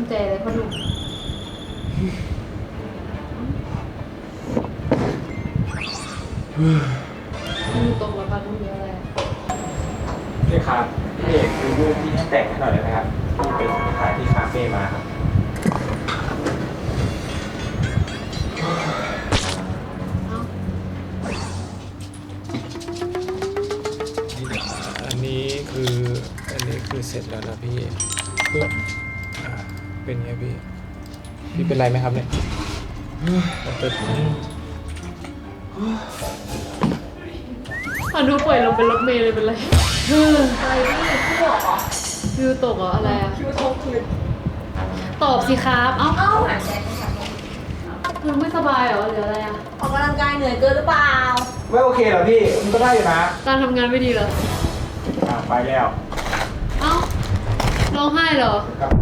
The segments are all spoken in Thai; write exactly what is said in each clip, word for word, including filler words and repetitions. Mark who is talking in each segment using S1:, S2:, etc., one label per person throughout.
S1: ใจเลยพ่อหนุ่มมีตรงแล้วป่ะต้องเยอะอะไร
S2: นี่ครับพี่เอกดูรูปที่ให้แต่งให้หน่อยได้ไหมครับที่ไปถ่ายที่คาเฟ่มาครับ
S3: อันนี้คืออันนี้คือเสร็จแล้วนะพี่ปึ๊บอ่าเป็นไงพี่พี่เป็นไรไหมครับเนี่ยเป็น
S1: อ่ะดูป่วยลงเป็นรถเมล์เลยเป็นไรเอออะไรนี่พี่บอกเหรอคิวตกเหรออะไรอ่ะคิวตกคือตอบสิครับเอ้าเอ้าหายใจคือไม่สบายเหรอหรืออะไรอ่ะ
S4: ออกกำลังกายเหนื่อยเกินหรือเปล่า
S2: ไม่โอเคเหรอพี่มันก็ได้อยู่นะ
S1: การทำงานไม่ดีเหรอ
S2: อ่าไปแล้ว
S1: เอ้าร้องไห้เหรอ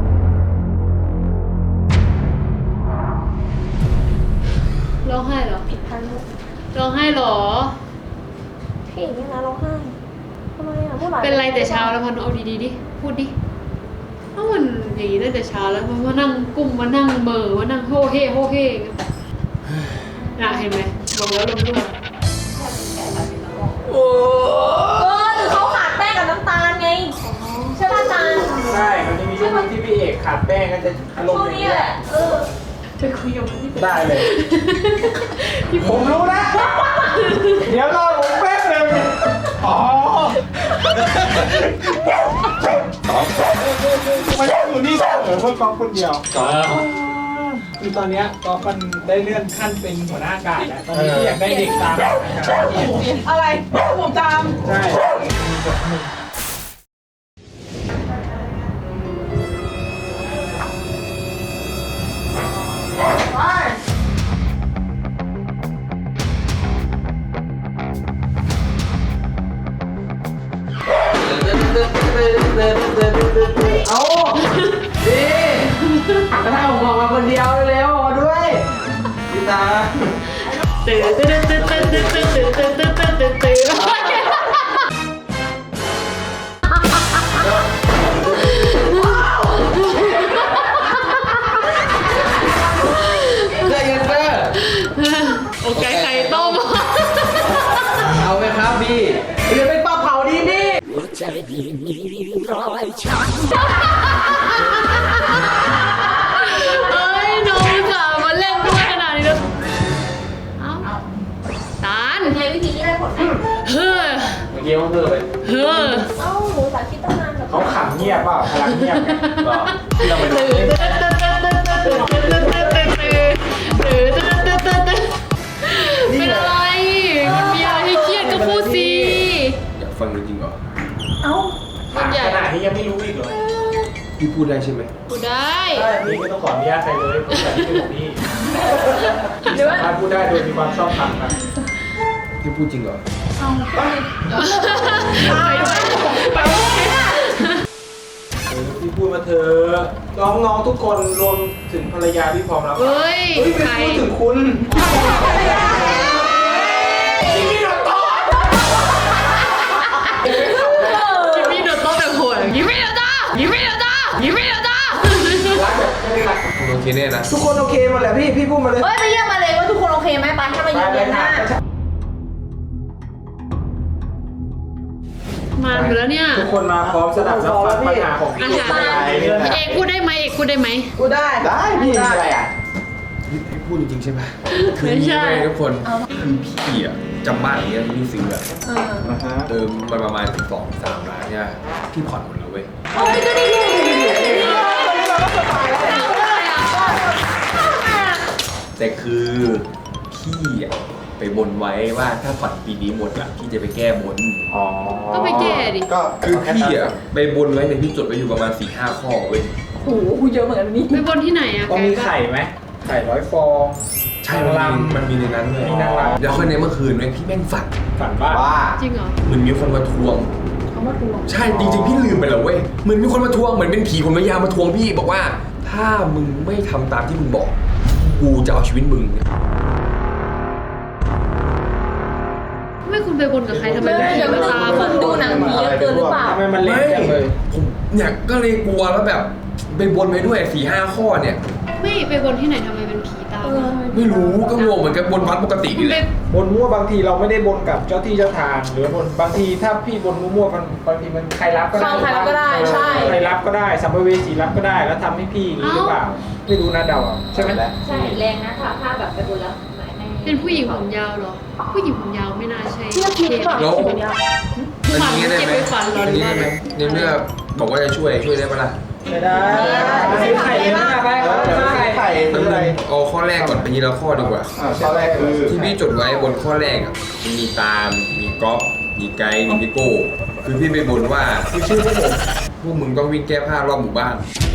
S1: ร้องไห้เหรอผิดพันลูกร้องไห้เหรอ
S4: พี่นี่นะร้องไห้ทำไมอ่ะพูดหลาย
S1: เป็นไรแต่เช้าแล้วพันเอาดีๆดิพูดดิถ้ามันอย่างนี้ตั้งแต่เช้าแล้วมันมานั่งกุ้มมานั่งเมอมานั่งโฮเฮโฮเฮน่ะเห็นไหมบอกแล้วลมลุ่ม
S4: เออหรือเขาขาดแป้งกับน้ำตาลไงใช่ป่ะตาล
S2: ใช่มันจะมีช่วงที่พี่เอกขาดแป้งก็จะอารมณ์อย่างนี้แหละ
S4: เออ
S1: จะคุยกับพี่
S2: ได้เลยผมรู้นะเดี๋ยวรอผมแป๊บนึงอ๋อมันอยู่นี่เสมอเพื่อกอล์ฟคนเดียวคือตอนนี้กอล์ฟมันได้เลื่อนขั้นเป็นหัวหน้ากาดแล้วตอนนี้อยากได้เด็กตาม
S4: อะไรผมตาม
S2: ใช่เอาดีกระทั่งผมออกมาคนเดียวเร็วๆมาด้วยพี่ตา
S1: ตื่นตื่นตื่นตื่นตื่นตื่นตื่นตื่นตื่นตื่นตื่น
S2: ได้เงินเฟ้อ
S1: โอเคไข่ต้ม
S2: เอาไหมครับพี่เดี๋ยวเป็นปลาเผาดีพี่
S1: ใจพี่มีรอยช้ำเอ้ยน้องสาวมาเล่นด้วยขนาดนี้แล้วเอ้าตาล
S4: ใช้วิธีนี้ได้ผลไหม
S1: เฮ้อ
S2: เมื่อกี้เขาเพิ่มไป
S1: เฮ้อ
S4: เอ้าหนูสาธิตตั้งนาน
S2: เขาขำเงียบเปล่าพลังเงียบที่เราไปดู
S1: เป็นอะไรมันมีอะไรให้เครียดก็พูดสิ
S5: อยากฟังจริงๆเหรอ
S4: เอ้า
S2: ขนาดนี้ยังไม่รู้อีกเหรอ
S5: พี่พูดได้ใช่ไหม
S1: พูดได้
S2: พี่ไม่ต้องขออนุญาตใครเลยพูดแบบที่เป็นของพี่สามารถพูดได้โดยมีความชอบธรรมนะ
S5: พี่พูดจริงเหรอ
S1: ไปไป
S2: พี่พูดมาเถอะน้องๆทุกคนรวมถึงภรรยาพี่พร้อมแล้ว
S1: เฮ้ย
S2: ใครพูดถึงคุณพี่โดนโต๊ะ
S1: พี่โดนโต๊ะแบบโหดยิ้มไม่โดนจ้ายิ้มไม่โดนจ้ายิ้มไม่โดนจ้า
S2: รักแบบไม่รัก
S5: คุณโอเคแน่นะ
S2: ทุกคนโอเคหมดแหละพี่พี่พูดมาเลย
S4: เฮ้ยไปเยี่ยมมาเลยว่าทุกคนโอเคไหมไปถ้ามาเยี่ยมเดือนหน้า
S1: มาหมดแล้วเนี่ย
S2: ทุกคนมาพร้อมสนับสนุนปัญหาของพี่
S1: เอกพูดได้ไหมเอกพูดได้ไหม
S4: พูดได้
S2: ได้พี่อะไรอ่ะ
S5: พี่พูดจริงๆใช่ไหมคือนี่ไงทุกคนคือพี่อ่ะจำบ้านอย่างเงี้ยที่พี่ซื้ออ่ะเติมมาประมาณสองสามล้านเนี่ยพี่ผ่อนหมดเลยเว้ย
S4: เฮ้ยก็ดี
S5: แต่คือพี่อ่ะไปบนไว้ว่าถ้าผ่อนปีนี้หมดอ่ะพี่จะไปแก้บน
S2: อ๋อ
S1: ก็ไปแก้ดิ
S5: ก็คือพี่อ่ะไปบนไว้เนี่ยพี่จดไว้อยู่ประมาณสี่ห้าข้อเว้ย
S4: โอ้โหเยอะเหมือนกันนี่
S1: ไปบนที่ไหนอ่ะ
S2: ต้องมีไข่ไหมไข่ร้อยฟอง
S5: ใช่มันมีมันมีในนั้นเลยแล้วค่อยในเมื่อคืนเนี่ยพี่แม่งฝัน
S2: ฝันว่า
S1: จริงเหรอ
S5: เหมือนมีคนมาทวง
S4: เขามาทวง
S5: ใช่จริงๆพี่ลืมไปแล้วเว้ยเหมือนมีคนมาทวงเหมือนเป็นผีคนมายามาทวงพี่บอกว่าถ้ามึงไม่ทำตามที่มึงบอกกูจะเอาชีวิตมึง
S1: ไม่คุณไปบนกับใครทำไม
S4: ไม่อย่าไปตามดูหนังผีเยอะเกินหรือเปล่า
S2: ทำไมมันเละจังเลย
S5: ผมเนี่ยก็เลยกลัวแล้วแบบไปบนไปด้วยสี่ห้าข้อเนี่ย
S1: ไม่ไปบนที่ไหนทำไมเป็นผีตาม
S5: ไม่รู้ก็งงเหมือนกับบนวัดปกตินี่แหละ
S2: บนมั่วบางทีเราไม่ได้บนกับเจ้าที่เจ้าทางหรือบนบางทีถ้าพี่บนมั่วๆมันบางทีมันใครรับก็ได้
S4: ใครรับก็ได้ใช่
S2: ใครรับก็ได้สัมภเวสีรับก็ได้แล้วทำให้พี่อย่างนี้หรือเปล่าไม่รู้นะเดาเอาใช่ไหม
S4: ใช่แรงนะถ้าถ้าแบบไปบนแล้วไม่ไม่
S1: เป็นผู้หญิงผมยาวเหรอ ผู้หญิงผมยาวไม่น่าใช่
S4: เชื่อคิดแบบ
S5: แล้ว
S4: ผมยาว
S5: อันนี้ได้ไหม
S1: เก็บไว้ฝันเหรอ
S5: อันนี้ได้ไหมในเมื่อบอกว่าจะช่วยช่วยได้ปะล่ะ
S2: ไม่ได้ซื้อไข่เลยนะไปซื้อไข่ไข่
S5: ต้
S2: ซื้ออะไร
S5: เอาข้อแรกก่อนไปทีละข้อดีกว่า
S2: ข้อแรกคือ
S5: ที่พี่จดไว้บนข้อแรกอ่ะมีตามมีก๊อฟมีไกด์มีพี่โก้คือพี่ไปบนว่าพี่ชื่อพวกผมพวกมึงต้องวิ่งแก้ผ้ารอบหมู่บ้าน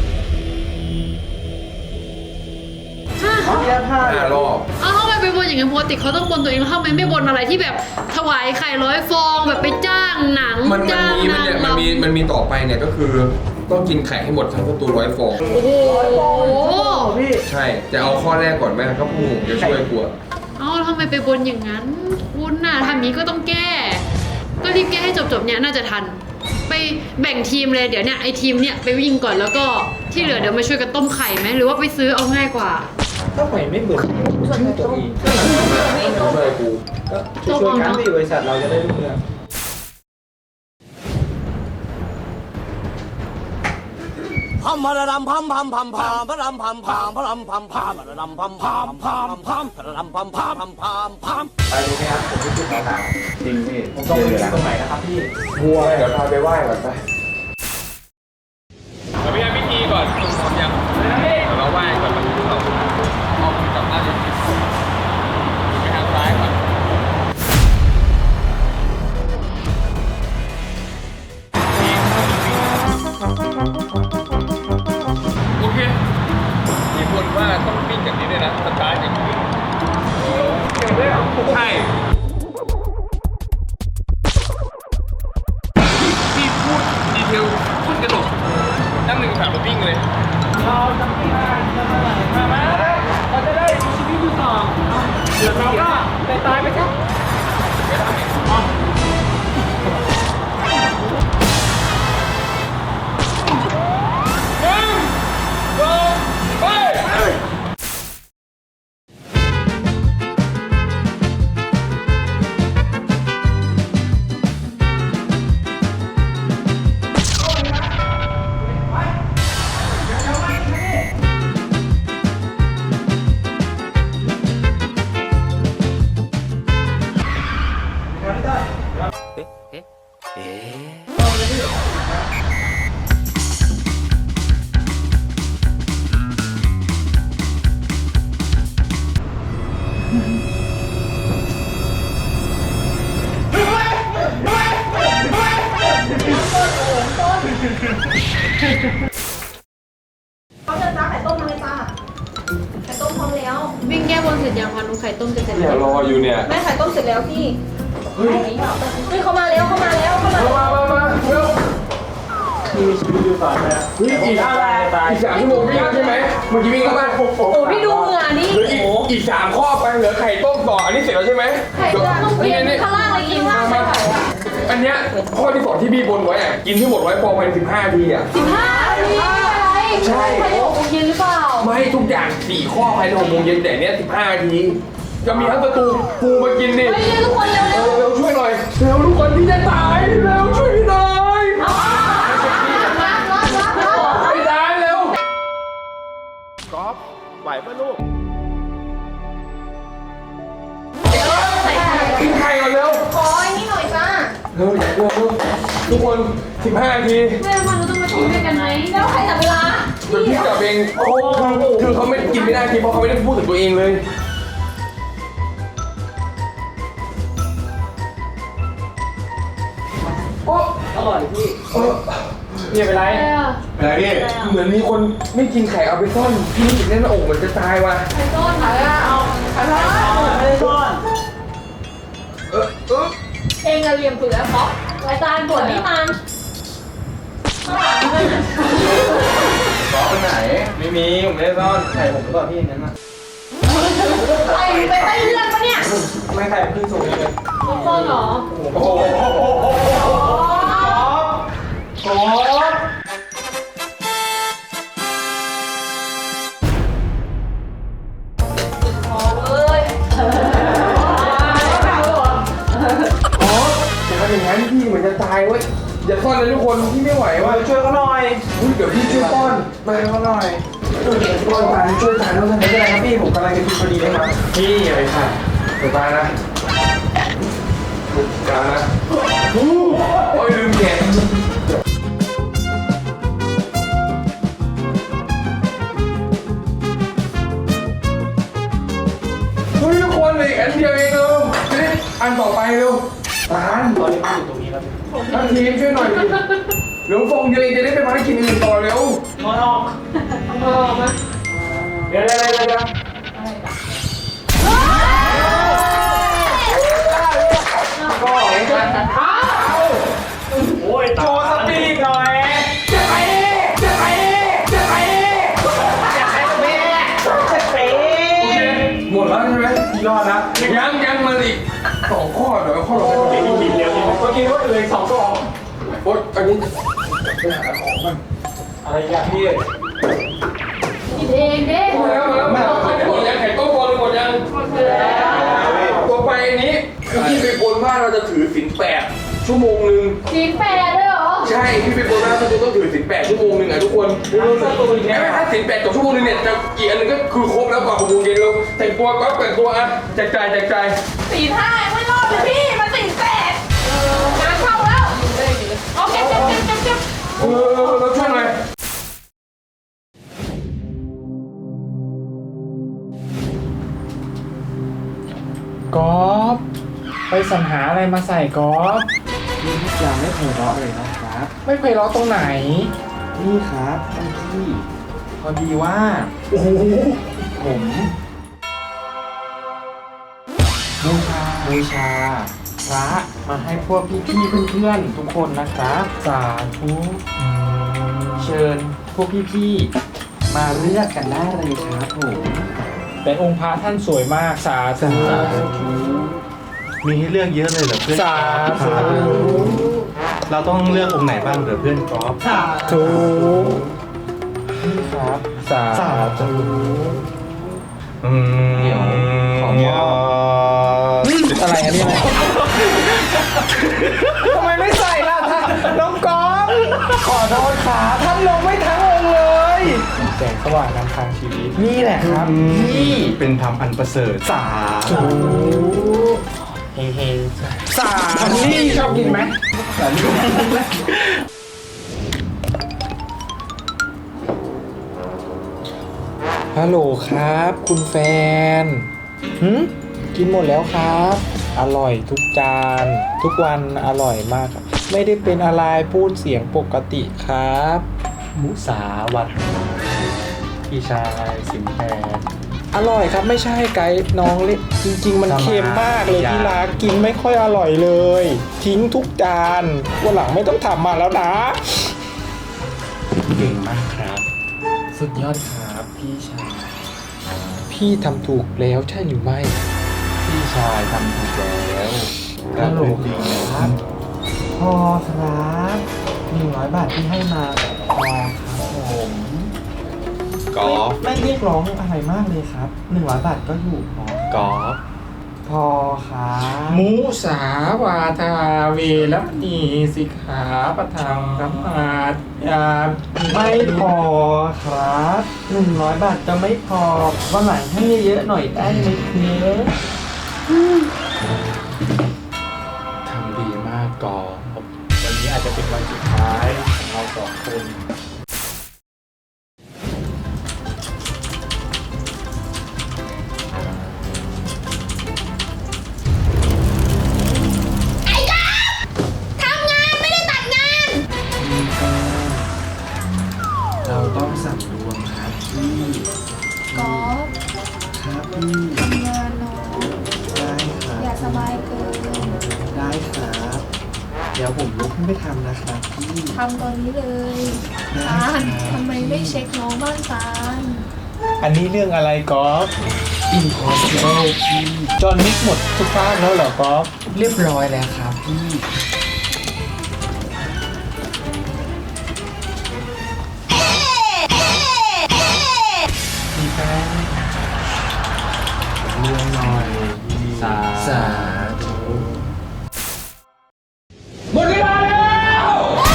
S2: แก้ผ้า
S5: ห้ารอบ
S1: เอ้าทำไมไปบนอย่างนั้นปกติเขาต้องบนตัวเองแล้วทำไมไม่บนอะไรที่แบบถวายไข่ร้อยฟองแบบไปจ้างหนัง
S5: มันมัน
S1: จ้าง
S5: มีมัน
S1: นาง
S5: เนี่ยมันมี
S1: รำ
S5: มันมีต่อไปเนี่ยก็คือต้องกินไข่ให้หมดทั้งประตูร้อยฟอง
S1: โอ้โห
S2: พี่
S5: ใช่จะเอาข้อแรกก่อนไหมครับพวกมึงจะช่วยกลัว
S1: เอ้าทำไมไปบนอย่างนั้นคุณน่ะทำอย่างนี้ก็ต้องแก้ ก็รีบแก้ให้จบๆเนี่ยน่าจะทัน ไปแบ่งทีมเลยเดี๋ยวเนี่ยไอทีมเนี่ยไปวิ่งก่อนแล้วก็ที่เหลือเดี๋ยวมาช่วยกันต้มไข่ไหมหรือว่าไปซื้อเอาง่ายกว่า
S2: ต้องไปไม่เหมือนชื่อตัวเอง
S5: ช่วยกู
S2: ก็ช่วยๆกันที่บริษัทเราจะได้รุ่งเรือง
S6: พัมพะระดำพัมพัมพัมพามพะรำพัมพามพะรำพัมพามพะระดำพัมพามพามพามพะระดำพัมพามพัมพามพาม
S2: ไปดูไหมครับผมที่จุดต่าง
S5: จริงพี่
S2: ๆผมต้องไปอยู่ตรงไหนนะครับพี่
S5: วัวเดี๋ยวพาไปไหว้ก่อนไปเราไปทำพิธีก่อนทำยังเราไหว้ก่อนมันถึงเราเอากลับบ้านไปทางซ้ายก่อนโอเคมีคนว่าต้องวิ่งอย่างนี้ด้วยนะสตาร์ทอย่างนี้ใช่พี่พูดดีเทลพูดกระโดดนั่งหนึ่งสามแล้ววิ่งเลย
S2: เราจะไม่งานจะมาไหนมาไหมเราจะได้มีชีวิตอยู่ต่อเดี๋ยวเราก็ไปตายไปครับ
S4: เขาจะจ้าไข่ต้มมาเลยจ้าไข่ต้มพร้อมแล้ว
S1: วิ่งแก้บนเสร็จยังคะนุ้งไข่ต้มจะเสร็จ
S5: เนี่
S1: แล้
S5: ยว รออยู่เนี่ย
S4: แม่ไข่ต้มเสร็จแล้วพี่เฮ้ยเฮ้ยเขามาแล้วเขามาแล้วเขามาแล้ว
S5: มามามาเร็ว
S2: มีชีวิตอยู่ต่อไปแล้ว
S5: วิ่งอีก
S2: ตายตาย
S5: อีกสามชั่วโมงวิ่งใช่ไหมเมื่อกี้วิ่งเข้ามา
S2: โอ้โห
S4: โอ้พี่ดูเหงื่อนี่
S5: เหลืออีกอีกสามข้อไปเหลือไข่ต้มต่ออันนี้เสร็จแล้วใช่ไหม
S4: ไข่ต้มต้องเปลี่ยนข้างล่างเลยกินข้างล่างไม่ไหวอ่ะ
S5: อันเนี้ยข้อที่สองที่พี่บนไว้อะกินที่หมดไว้พอภายในสิบห้าทีอะ
S4: สิบห้านาทีอะไร
S5: ใช่
S4: ภายในหกโมงเย็นหรือเปล่า
S5: ไม่ทุกอย่างสี่ข้อภายในหกโมงเย็นแต่เนี้ยสิบห้าทีจะมีทั้งประตูปูมากินนี่
S4: เฮ้ยเร็วทุกคนเร็ว
S5: เร็
S4: เร็ว
S5: วเร็วช่วยหน่อยเร็วทุกคนที่จะตายเร็วช่วยพี่หน่อย
S4: เอารับรับรับรับ
S5: ไม่ตายเร็ว
S2: ก๊อฟไหวปะลูก
S5: กินไข่ก่อนเร็ว
S4: ขอไอ้นี่หน่อยจ้า
S5: เร็วเร็วเร็วทุกคนสิบห้าที
S1: แม่มาเราต้องมาทีมด้วยกันไหม
S4: แล้วใครจับเวลา
S5: เดี๋ยวพี่จับเองเขาคือคือเขาไม่กินไม่ได้ทีเพราะเขาไม่ได้พูดถึงตัวเองเลย โอ้
S2: อร่อยพี่
S5: เออ
S2: เนี่ยเป็นไร
S1: อะไรอ่ะ
S5: อะไรพี่เหมือนมีคนไม่กินไข่เอาไปซ่อนพี่รู้สึกแน่นหน้าอกเหมือนจะตายว่ะ
S1: ไข่ต้มค่ะเอา
S2: ไม่ได้ซ่อน
S5: เออเออ
S4: เองอะเหลี่ยมสุดแล้วเพราะรายการตรวจนี่มันข้างหลังมัน
S5: ต่อไปไหน
S2: ไม่มีผมไม่ได้ซ่อนไข่ผมก็พี่นั้นนะ
S4: ใส่ไปใต้เลือดปะเนี่ย
S2: ไม่ไข่ขึ้นสูงเลย
S1: ต้มต้นเหรอ
S5: โอ้โห
S2: โอ้โห
S5: อย่าซ่อนเลยทุกคนพี่ไม่ไหวว่ะ
S2: ช่วยเขาหน่อย
S5: อุ้ยเดี๋ยวพี่ช่วยป้อนมาเขาหน่อยป้อนมาช่วยทานแล้วกัน
S2: ไม่เป็นไรครับพี่ผมกำลังจะกินพอดีเลยครับ
S5: พี่อย่าไปขาดเดี๋ยวตายนะตายนะโอ้ยลืมแกะเฮ้ยทุกคนเลยอันเดียวเองเร็วนี่อันต่อไปเร็วตาน
S2: ตอนนี้อยู่ตรงนี้ครับ
S5: ท่านทีมช่วยหน่อยดิเร็วฟองเดียวเองจะได้ไปพักกินอื่นต่อเร็ว
S2: นอนออก
S4: เออมา
S2: เดี๋ยวเดี๋ยวเดี๋ยวเดี๋ยว
S4: อะไรจ้ะ
S2: ก็เองกันอ้าวโอ้ยโชว์สปีดหน่อยจะไปจะไปจะไปจะไปจะไปจะไป
S5: โอเคหมดแล้วใช่ไหม
S2: ยอดนะ
S5: ยังยังมันอีกสองข้อเดี๋ยวข้อต่อไป
S2: เดี๋ยวกินเร็วเมื่อกี้ว่าเลยสองกล่อง
S5: โอ๊ยอันนี้
S2: อะไรอย่างพี่
S1: กินเองเด้
S5: มาแล้วมาแล้วมาแล้วหมดยังไข่ต้มบอลหมดยัง ต่อไปอันนี้คือพี่ไปบนว่าเราจะถือศีลแปดชั่วโมงหนึ่ง
S1: สีแปดด้วยเหรอ
S5: ใช่พี่ไปบนว่าเราจะต้องถือศีลแปดชั่วโมงหนึ่งอ่ะทุกคนไม่ไม่ถ้าศีลแปดกับชั่วโมงหนึงเนี่ยจะกี่อันนึงก็คือครบแล้วกว่าหกโมงเย็นเราแต่งตัวก็แต่งตัวอ่ะแจกจ่ายแจกจ่าย
S4: สี่ห้าไม่รอดเลยพี่มันสี่แปดงานเข้าแล้วโอเคเจ็บเจ็บเจ็บเจ็บ
S5: เออเราช่วยหน่อย
S3: กอล์ฟไปสรรหาอะไรมาใส่กอล์ฟ
S2: นี่ทุกอย่างไม่เคยเลาะเลยนะครับ
S3: ไม่เคยล้อตรงไหน
S2: นี่ครับท่านพี่พอดีว่า
S3: โอ้โห
S2: ผมบูชาบูชาพระมาให้พวกพี่ๆเพื่อนๆทุกคนนะครับ
S3: สาธุ
S2: เชิญพวกพี่ๆมาเลือกกันได้เลยครับผม
S3: แต่องค์พระท่านสวยมากสาธุ
S7: มีให้เลือกเยอะเลยเหรอเพื่อน
S3: สาธุ
S7: เราต้องเลือกองค์ไหนบ้างเหรอเพื่อนกอล์ฟ
S3: สาธุ
S2: นี่ครับ
S3: สาธุ
S7: อืม
S2: เดี๋ยวขอมอบ
S3: อะไรอันนี้อะไรทำไมไม่ใส่ล่ะท่านน้องกอล์ฟขอโทษขาท่านลงไม่ทั้งองค์เลยแสงสว่างนำทางชีวิต
S2: นี่แหละครับพี่
S7: เป็นธรรมอันประเสริฐสา
S3: ธุ
S2: เฮงเฮง
S3: สาธุนี่ชอบกินไหมฮัลโหลครับ คุณแฟนหืมกินหมดแล้วครับ อร่อยทุกจาน ทุกวันอร่อยมากครับไม่ได้เป็นอะไรพูดเสียงปกติครับ
S7: มุสาวัตพี่ชายสิงแพร
S3: อร่อยครับไม่ใช่ไกด์น้องเล็กจริง ๆ มันเค็มมากเลยที่รักกินไม่ค่อยอร่อยเลย ทิ้งทุกจานวันหลังไม่ต้องทำมาแล้วนะ
S7: เก่งมากครับ
S2: สุดยอดครับพี่ชาย
S3: พี่ทำถูกแล้วใช่หรือไม่
S7: พี่ชายทำถูกแล้ว
S2: ฮัลโหลครับ พอครับหนึ่งร้อยบาทที่ให้มาพอครับผม
S7: กอล์ฟ
S2: ไม่เรียกร้องอะไรมากเลยครับหนึ่งร้อยบาทก็อยู่พอก
S7: อล์ฟ
S2: พอครับ
S3: มุสาวาทาเวรมณีสิกขาปะทังธรรมาทยา
S2: ไม่พอครับหนึ่งร้อยบาทจะไม่พอวันหลังให้เยอะๆหน่อยได้ไหมเนื้อ
S3: ทำดีมากกอล์ฟวันนี้อาจจะเป็นวันสุดท้ายของเราสองคน
S2: เราต้องสั่งรวมครับพี่
S8: กอล์ฟ
S2: ครับพี่
S8: ทำงานเนาะ
S2: ได้ครั
S8: อย่า
S2: บ
S8: สบายเกิน
S2: ได้ครับ เดี๋ยวผมลุกขึ้นไปทำนะครับพี่
S8: ทำตอนนี้เลย
S2: ได้
S8: ตาล
S2: ครับ
S8: ทำไมไม่เช็คน้องบ้างตาล
S3: อันนี้เรื่องอะไรกอล์ฟ
S2: Impossible พี่
S3: จอห์นวิกหมดทุกภาคแล้วเหรอกอล์ฟ
S2: เรียบร้อยแล้วครับพี่ พี่แป้งเรื่องหน่อย
S7: สา
S2: สาธุ
S5: หมดเวลาแล้ว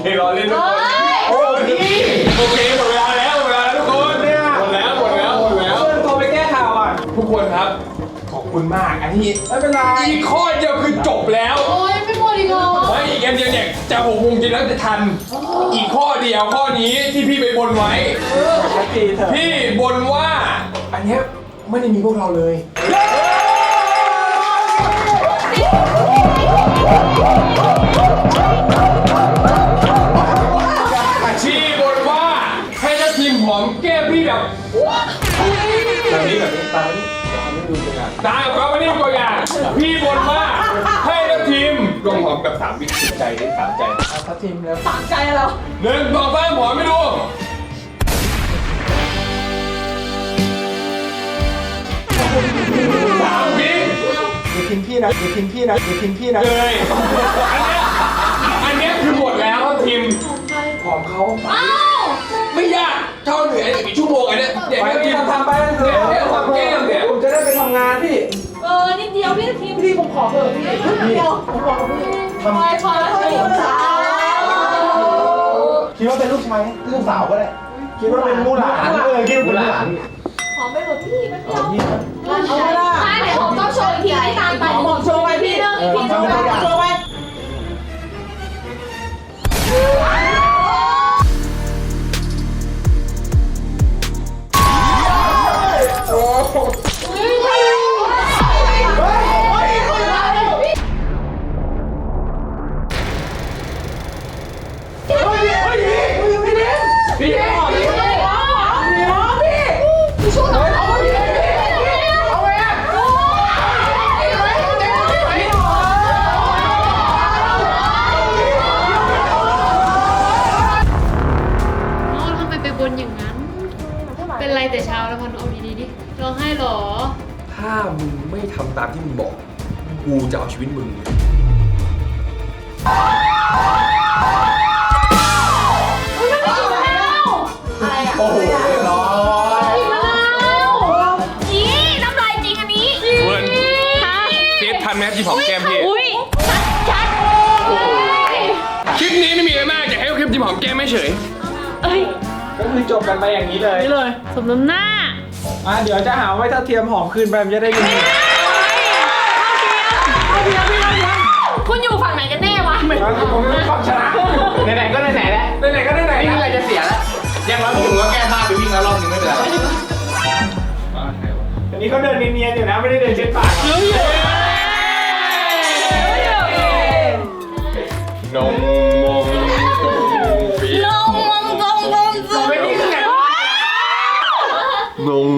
S5: รอเล่นทุกคนโอ้นี่โอเคหมดเวลาแล้วหมดเวลาแล้วทุกคนเนี่ยหมดแล้วหมดแล้วหมดแล้ว
S2: เพื่อนโทรไปแก้ข่าวอ่ะ
S5: ทุกคนครับขอบคุณมากอันนี้
S2: ไม่เป็นไร
S5: อีกข้อเดียวคือจบแล้ว
S1: โอ้ยไม่หมดอีกเหรอ
S5: เฮ้ยอีกอันเดียวเนี่ยจะหกโมงเย็นแล้วจะทัน อีกข้อเดียวข้อนี้ที่พี่ไปบนไว้
S2: ชัดเจนเถอะ
S5: พี่บนว่า อันเนี้ยไม่ได้มีพวกเราเลยพี่บนว่าให้ทัพทีมหอมแก้มพี่แบบแบบนี้แบบนี้ตามนี้ตามกับมานี่ตัวอย่างพี่บนว่าให้ทัพทีมลงหอมแบบสามวิติดใจได้สามใจ
S2: ทัพทีมแล้ว
S4: สามใจเรา
S5: หนึ่งสองสามหอมไม่ดูสามวิ
S2: อย่าทิ้งพี่นะอย่าทิ้งพี่นะอย่าทิ้งพี่นะ
S5: เลยอันเนี้ยอันเนี้ยคือหมดแล้วครับทีมหอมเขาไม่ยากเท่าเหนื่อยอีกชั่วโมงอันเนี้ยเดี๋ยว
S2: ไป
S5: ที
S2: พี่
S5: ม
S2: ทำทำไปเถอะ
S5: เดี๋ยวหอมแก้มเนี่ย
S2: ผมจะได้ไปทำงานพี่
S4: เออนิดเดียวพี่ทีมพี่ผมขอเถอะพี่นิดเดียวผมขอพี่พอพอแล้วเถอะสาว
S2: คิดว่าเป็นลูกชายลูกสาวก็ได้คิดว่าเป็นมู่หลานเออคิดว่าเป็นมู่หลาน
S4: ขอไปเถอะพี่ไม่เดียว
S2: พี่
S4: เอาเวลาใช่เดี๋ยวผมต้องโชว์อีกทีที่ตามไปผมโชว์ไปพี่นึงอีกทีโชว์ไปโชว์ไป
S5: พี่หอมพี่
S1: น้องทำไมไปบนอย่างนั้น เป็นไรแต่เช้าแล้วพอนเอาดีๆดิร้องไห้เหรอ
S5: ถ้ามึงไม่ทำตามที่มึงบอกกูจะเอาชีวิตมึง
S4: อะไรอ่ะ
S2: โอ้โหเรียบร้อย
S4: นี่น้ำลายจริงอันนี้
S5: เวิร์นเซฟทันไหมที่หอมแก้มพี่
S4: อุ้ยชัด
S5: คลิปนี้ไม่มีอะไรมากอยากให้คลิปที่หอมแก้มไม่เฉย
S4: เอ้ย
S2: ก็คือจบกันไปอย่างนี้เลย
S1: นี่เลย สมน้ำหน้า
S2: อ่ะเดี๋ยวจะหาว่าถ้าเทียมหอมคืนไปมันจะได้ยิน
S4: คุณอยู่ฝั่งไหนกันแน่วะ
S2: ผมต้องชนะไหนๆก็ไหนๆแล้วไหนๆก็ไหนๆนี่อะไรจะเสียแล้ว
S5: อย่างน้อยผมก็แก้ผ้าไปวิ่งแล้วรอบนึงไม่เป็นไร
S2: อันนี้เขาเดินเนียนๆอยู่นะไม่ได้เดินเช็ดปาก
S5: นมมงตรงปี
S4: ลงมงตรงตรงตรง
S2: ไม่นี่คือไง
S5: นง